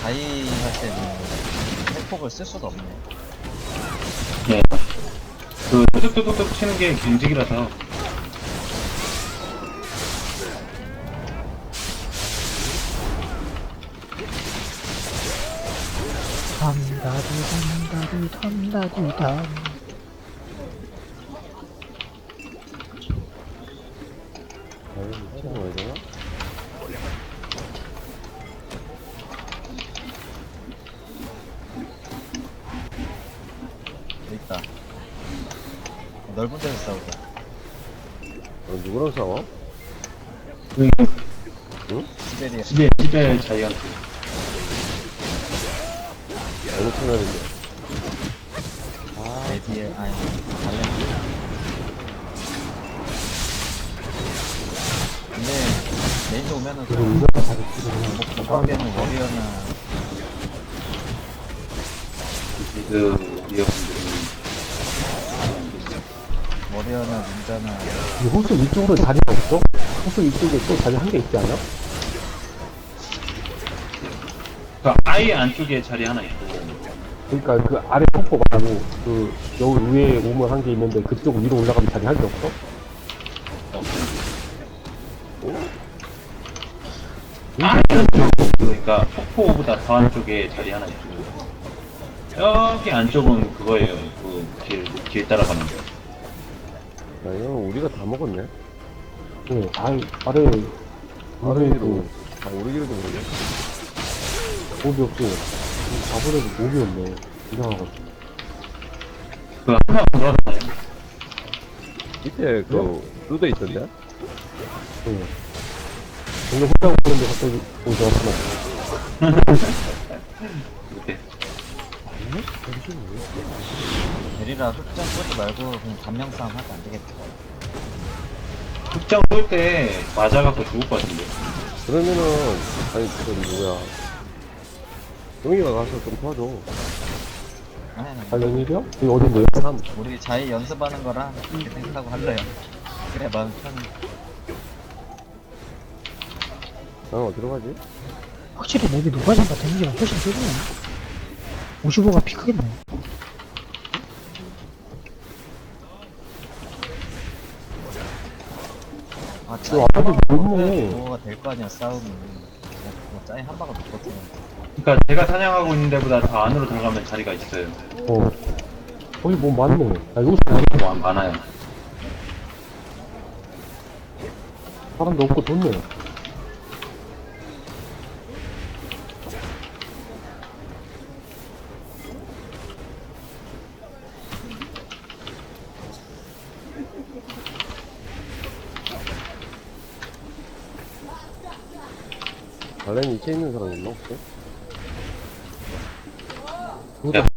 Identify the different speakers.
Speaker 1: 자이 할 때는 핵폭을 쓸 수가 없네.
Speaker 2: 네. 그 뚜둑뚜둑 치는 게 경직이라서.
Speaker 3: 탐다디탐다디탐다디탐.
Speaker 4: 미친거 왜 되나?
Speaker 1: 여기 있다. 넓은 데서 싸우자.
Speaker 4: 누구랑 싸워?
Speaker 2: 응?
Speaker 1: 시베리아.
Speaker 2: 집에 자기한테.
Speaker 4: 어느 채널인데?
Speaker 1: 레디에, 아니, 달래. 근데, 레인저 오면은 좀, 못 가게는 워리어나,
Speaker 2: 그, 이어분들은.
Speaker 1: 워리어나 닌자나,
Speaker 3: 이 호수 위쪽으로 자리가 없어? 호수 위쪽에 또 자리 한 개 있지 않아?
Speaker 2: 그 아예 안쪽에 자리 하나 있고.
Speaker 3: 그러니까 그 아래 폭포 말고 그 여기 위에 우물 한 개 있는데 그쪽 위로 올라가면 자리 한 개 없어?
Speaker 2: 아, 그러니까 폭포보다 더 안쪽에 자리 하나 있고. 여기 안쪽은 그거예요. 그 길 따라가는 거.
Speaker 4: 야, 이거 우리가 다 먹었네?
Speaker 3: 네, 아래에
Speaker 4: 아래로, 우리끼리도 모르게.
Speaker 3: 몹이 없고 아무래도 몹이 없네. 이상하고.
Speaker 2: 그 하나 돌아가나요?
Speaker 4: 밑에 루드 있던데?
Speaker 3: 네. 오늘 혼자 오는데 갑자기 오지 않구나.
Speaker 2: 그때.
Speaker 1: 베리라 흑장 쏘지 말고, 그냥 단명 싸움 하면 안 되겠다.
Speaker 2: 극장 쏠 때 맞아갖고 죽을 것 같은데.
Speaker 4: 그러면은, 아니, 누구야. 용이가 가서 좀 도와줘.
Speaker 1: 아니, 아니,
Speaker 3: 관련일이요? 이거 어딘데요?
Speaker 1: 우리 자이 연습하는 거랑, 이렇게 생각하고 할래요. 그래, 마음 편해.
Speaker 4: 난 어디로 가지?
Speaker 3: 확실히 몹이 노가진과 데미지가 훨씬 세지네. 55가 피 크겠네.
Speaker 1: 아,
Speaker 3: 저 아까도 너무
Speaker 1: 뭐가 될 거 아니야, 싸움이. 뭐, 짜이 한 방울 놓거든.
Speaker 2: 그러니까 제가 사냥하고 있는 데보다 더 안으로 들어가면 자리가 있어요.
Speaker 3: 거기 뭐 많네. 야, 여기서
Speaker 2: 뭐 많아요.
Speaker 3: 사람도 없고 좋네.
Speaker 4: 발렌 이체 있는 사람 있나, 혹시?
Speaker 2: 야,